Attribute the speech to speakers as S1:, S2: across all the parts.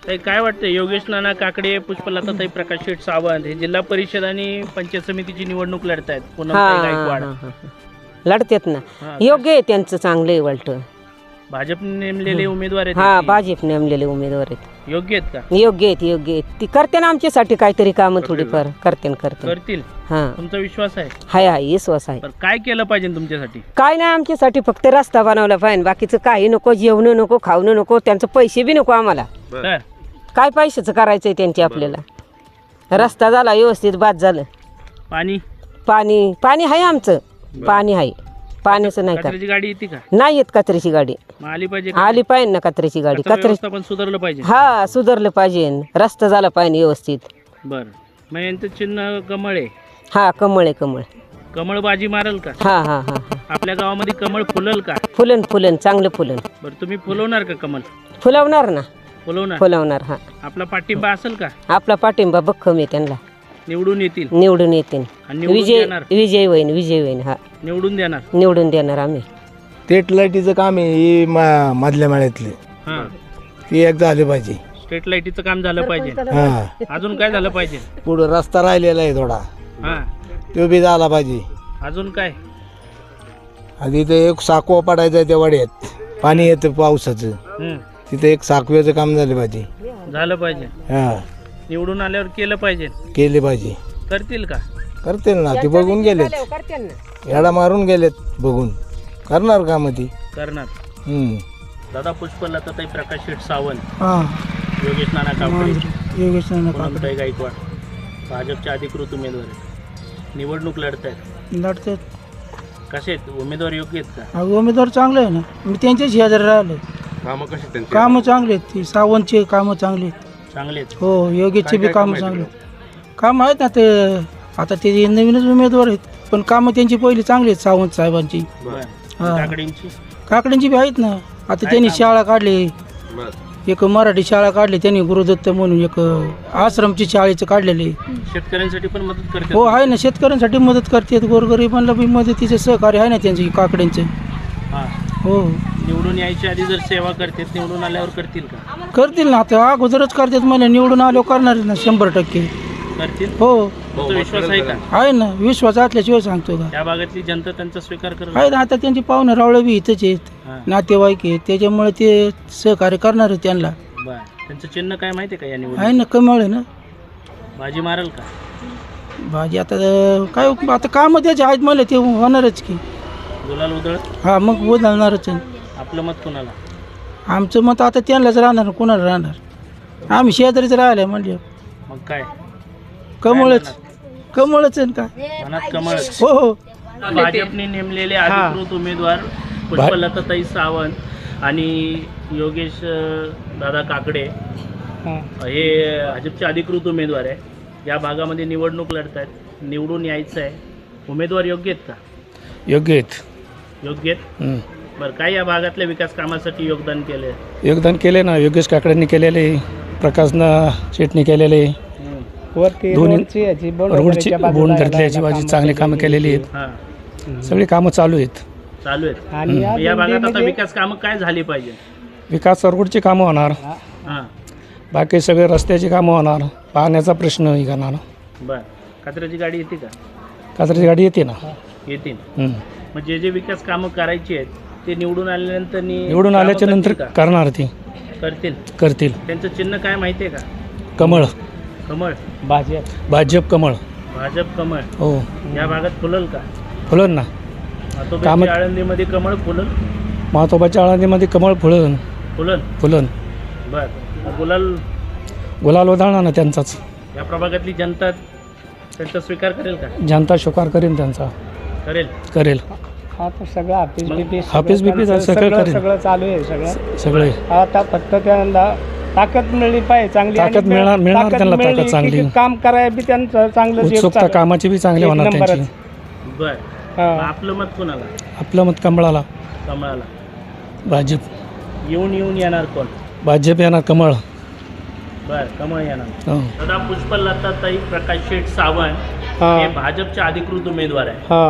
S1: ताई काय वाटतं, योगेश नाना काकडे, पुष्पलताताई प्रकाश शेठ सावंत हे जिल्हा परिषद आणि पंचायत समितीची निवडणूक लढतायत. पूनमताई गायकवाड
S2: लढतात ना.
S1: हा.
S2: योग्य आहे त्यांचं, चांगलं आहे उलट.
S1: भाजपने नेमलेले उमेदवार आहेत
S2: हा,
S1: ते.
S2: भाजप नेमलेले उमेदवार आहेत.
S1: योग्य आहेत का?
S2: योग्य आहेत, योग्य आहेत. ती करते ना आमच्यासाठी काहीतरी कामं थोडीफार करते.
S1: करतील
S2: हा,
S1: तुमचा विश्वास आहे?
S2: हाय विश्वास आहे.
S1: बरं, काय केलं पाहिजे तुमच्यासाठी?
S2: काय नाही, आमच्यासाठी फक्त रस्ता बनवला पाहिजे, बाकीचं काही नको. जेवण नको, खावणं नको, त्यांचं पैसे बी नको आम्हाला.
S1: तर
S2: काय पैशाचं करायचंय त्यांची आपल्याला. रस्ता झाला व्यवस्थित, बाद झालं.
S1: पाणी
S2: पाणी पाणी आहे आमचं, पाणी आहे. पाण्याचं नाही का?
S1: कचऱ्याची गाडी येते का?
S2: नाही येत कचऱ्याची गाडी.
S1: मग आली पाहिजे का?
S2: आली पाहिजे ना कचऱ्याची गाडी.
S1: कचरा
S2: कचरे
S1: व्यवस्थापन सुधारलं पाहिजे.
S2: हा, सुधारलं पाहिजे, रस्ता झाला पाहिजे व्यवस्थित.
S1: बरं, मग यांचं चिन्ह कमळ आहे.
S2: हा, कमळ आहे, कमळ.
S1: कमळ बाजी मारल का?
S2: हा हा हा हा.
S1: आपल्या गावामध्ये कमळ फुलल का?
S2: फुलन फुलन, चांगलं फुलन.
S1: बरं, तुम्ही फुलवणार का कमळ?
S2: फुलवणार ना,
S1: फुलवणार.
S2: फुलवणार. हा,
S1: आपला पाठिंबा असेल का?
S2: आपला पाठिंबा भक्कम आहे त्यांना.
S1: निवडून येतील
S2: निवडून येतील.
S1: आणि निवडून
S2: विजय
S1: देणार.
S2: विजय होईन, विजय होईन. हा,
S1: निवडून देणार.
S2: निवडून देणार आम्ही.
S3: स्ट्रीट लाईटीचं काम आहे ही मधल्या माळ्यातली,
S1: हां,
S3: ती एक झाली पाहिजे.
S1: स्ट्रीट लाईटीचं काम झालं पाहिजे.
S3: हा,
S1: अजून काय झालं पाहिजे?
S3: पुढं रस्ता राहिलेला आहे थोडा,
S1: हां,
S3: तो बी झाला पाहिजे.
S1: अजून काय?
S3: आधी ते एक साकवा पडायचा आहे त्या वाड्यात, पाणी येतं पावसाचं,
S1: हं,
S3: तिथे एक साकव्याचं काम झालं पाहिजे.
S1: झालं पाहिजे.
S3: हा,
S1: निवडून आल्यावर केलं पाहिजे.
S3: केले पाहिजे.
S1: करतील का?
S3: करतील ना, ते बघून गेलेत, येडा मारून गेलेत बघून. करणार का मग ती?
S1: करणार.
S3: हम्म.
S1: दादा, पुष्पलताताई प्रकाश शेठ सावंत,
S4: हां,
S1: योगेश नाना काकडे,
S4: योगेश नाना
S1: पूनमताई गायकवाड भाजपचे अधिकृत उमेदवार आहेत. निवडणूक लढत आहेत.
S4: लढतात.
S1: कसे आहेत उमेदवार? योग्य आहेत का?
S4: उमेदवार चांगले आहे ना, मी त्यांच्याच शेजारी राहिले. कामं चांगले आहेत, ती सावंतचे कामं चांगले आहेत.
S1: चांगले आहेत.
S4: हो, योगेशचे बी कामं चांगले आहेत. कामं आहेत ना, ते आता ते नवीनच उमेदवार आहेत, पण कामं त्यांची पहिली चांगली आहेत सावंत साहेबांची.
S1: बरं,
S4: हां.
S1: काकडेंची
S4: काकड्यांची बी आहेत ना. आता त्यांनी शाळा काढली, एक मराठी शाळा काढली त्यांनी, गुरुदत्त म्हणून एक आश्रमची शाळेचं काढलेली.
S1: शेतकऱ्यांसाठी पण मदत करते.
S4: हो, आहे ना, शेतकऱ्यांसाठी मदत करतात, गोरगरिबांना बी मदतीचं सहकार्य आहे ना त्यांचं काकड्यांचं.
S1: हां,
S4: हो,
S1: निवडून यायच्या आधी जर सेवा करते, निवडून आल्यावर करतील का?
S4: करतील ना. आता अगोदरच करतात, मला निवडून आलो करणार ना 100%.
S1: करतील.
S4: हो,
S1: तुमचा विश्वास आहे का?
S4: आहे ना, विश्वास असल्याशिवाय सांगतो का.
S1: त्या भागातली जनता त्यांचा स्वीकार करत
S4: आहे ना, आता त्यांची पाहुणे रावळे बी इथंच आहेत,
S1: हां.
S4: नातेवाईक आहेत, त्याच्यामुळे ते सहकार्य करणार आहेत त्यांना.
S1: बरं, त्यांचं चिन्ह काय माहिती आहे का या
S4: आहे
S1: निवडणूक?
S4: ना, कमळ आहे ना.
S1: भाजी मारल का?
S4: भाजी आता काय, आता कामं त्याचे आहेत, मला ते होणारच की.
S1: गुलाल उधळ.
S4: हा, मग बदलणारच आहे.
S1: आपलं मत कोणाला?
S4: आमचं मत आता त्यांनाच राहणार, कोणाला राहणार. आम्ही शेजारीच राहिलं म्हणजे
S1: मग काय?
S4: कमळच, कमळच आहे का.
S1: मनात कमळ.
S4: हो हो.
S1: भाजपने नेमलेले अधिकृत उमेदवार पुष्पलताताई सावंत आणि योगेश दादा काकडे हे भाजपचे अधिकृत उमेदवार आहे. या भागामध्ये निवडणूक लढत आहेत. निवडून यायचं आहे. उमेदवार योग्य आहेत का?
S5: योग्य आहेत.
S1: योग्य आहेत. बरं, काय या भागातल्या विकास कामासाठी योगदान केलं?
S5: योगदान केले ना, योगेश काकडेंनी केलेले, प्रकाशना शेटनी केलेले, दोन्ही रोडची बोंड धरल्याची बाजी चांगली कामं केलेली आहेत.
S1: हां,
S5: सगळी कामं चालू आहेत.
S1: चालू आहेत. या भागात आता विकास कामं काय झाली पाहिजे?
S5: विकास रोडची कामं होणार,
S1: हां,
S5: बाकी सगळे रस्त्याची कामं होणार, पाण्याचा प्रश्न हे करणार.
S1: बरं, कचऱ्याची गाडी येते का?
S5: कचऱ्याची गाडी येते ना.
S1: येतील.
S5: हं.
S1: मग जे जे विकास कामं करायची आहेत ते निवडून आल्यानंतर
S5: निवडून आल्याच्या नंतर करणार ती करतील.
S1: त्यांचं चिन्ह काय माहिती आहे का?
S5: कमळ.
S1: कमळ.
S5: भाजप कमळ.
S1: भाजप कमळ.
S5: हो,
S1: या भागात फुलल का?
S5: फुलन ना.
S1: आतोबाच्या आळंदीमध्ये कमळ फुलल.
S5: महत्वाच्या आळंदीमध्ये कमळ फुलन.
S1: फुलन. बर,
S5: गुलाल उधळणार ना त्यांचाच.
S1: या प्रभागातली जनता त्यांचा स्वीकार करेल का?
S5: जनता स्वीकार करेन त्यांचा. करेल.
S4: आता सगळं
S5: हाफिज बिपी सगळं करेल.
S4: सगळं चालू आहे
S5: सगळे.
S4: आता फक्त त्यांना ताकद मिळली पाहिजे चांगली.
S5: ताकद मिळणार त्यांना, ताकद चांगली.
S4: काम करायला बी त्यांचं चांगलं
S5: उत्सुकता कामाची बी चांगली होणार त्यांची.
S1: बर, आपलं मत कोणाला?
S5: आपलं मत कमळाला.
S1: कमळाला.
S5: भाजप.
S1: येऊन येणार कोण?
S5: भाजप येणार. कमळ.
S1: बर, कमळ येणार.
S5: हो.
S1: दादा, पुष्पलताताई प्रकाश शेठ सावंत हे भाजपचे अधिकृत उमेदवार आहे.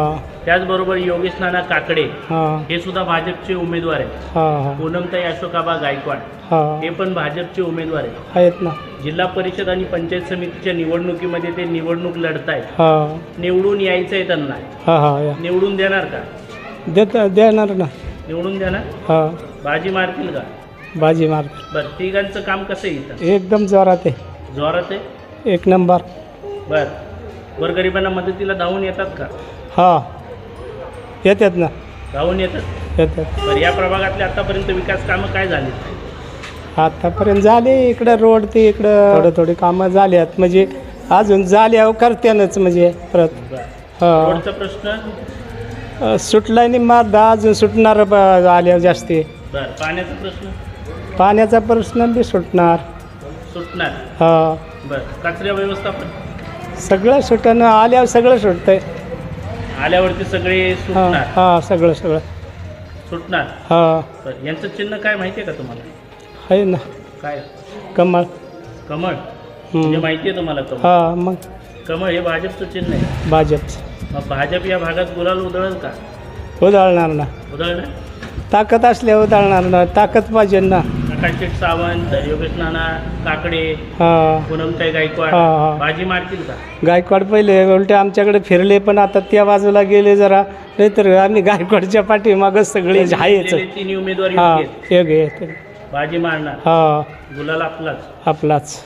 S1: त्याचबरोबर योगेश नाना काकडे
S5: हां
S1: हे सुद्धा भाजपचे उमेदवार आहेत.
S5: हां हां
S1: पूनमताई अशोकाबा गायकवाड
S5: हां
S1: हे पण भाजपचे उमेदवार आहेत.
S5: आहेत ना.
S1: जिल्हा परिषद आणि पंचायत समितीच्या निवडणुकीमध्ये ते निवडणूक लढतायत.
S5: हां
S1: निवडून यायचं आहे त्यांना.
S5: हां हां या
S1: निवडून देणार का?
S5: देणार ना.
S1: निवडून देणार?
S5: हां
S1: बाजी मारतील का?
S5: बाजी मार
S1: बरं, तिघांचं काम कसं आहे इथं?
S5: एकदम जोरात आहे.
S1: जोरात आहे.
S5: एक नंबर.
S1: बरं, गोरगरिबांना मदतीला धावून येतात का?
S5: हां येतात ना.
S1: धावून येतात.
S5: येतात.
S1: बरं, या प्रभागातले आतापर्यंत विकास कामं काय झाली?
S5: आतापर्यंत झाले. इकडं रोड ते इकडं थोडी कामं झाल्यात, म्हणजे अजून झाल्या करत्यानच म्हणजे परत.
S1: बरं,
S5: हां
S1: रोडचा प्रश्न
S5: सुटलाय नाही मारदा, अजून सुटणार आल्यावर जास्ती.
S1: बरं, पाण्याचा प्रश्न
S5: पाण्याचा प्रश्न बी सुटणार.
S1: सुटणार.
S5: हां
S1: बरं, कचरा व्यवस्थापन
S5: सगळं सुटणं आल्यावर सगळं सुटतंय.
S1: आल्यावरती सगळे
S5: हां
S1: सुटणार.
S5: हां सगळं
S1: सुटणार.
S5: हां
S1: बरं, यांचं चिन्ह काय माहिती आहे का तुम्हाला?
S5: आहे ना.
S1: काय?
S5: कमळ.
S1: कमळ. म्हणजे माहिती आहे तुम्हाला कमळ?
S5: हां मग
S1: कमळ हे भाजपचं चिन्ह आहे.
S5: भाजपचं
S1: मग भाजप या भागात गुलाल उधळल का?
S5: उधळणार ना.
S1: उधळणार.
S5: ताकद असल्यावर उधळणार ना. ताकद पाहिजे ना.
S1: प्रकाश सावंत, योगेश नाना काकडे,
S5: हां
S1: पूनमताई गायकवाड
S5: हां हां
S1: बाजी मारतील का?
S5: गायकवाड पहिले उलटे आमच्याकडे फिरले, पण आता त्या बाजूला गेले जरा. नाहीतर आम्ही गायकवाडच्या पाठीमागच सगळे आहेच.
S1: दिलेले तिन्ही उमेदवार
S5: हां
S1: योग्य आहेत.
S5: एक आहे.
S1: बाजी मारणार.
S5: हां
S1: गुलाल आपलाच.
S5: आपलाच.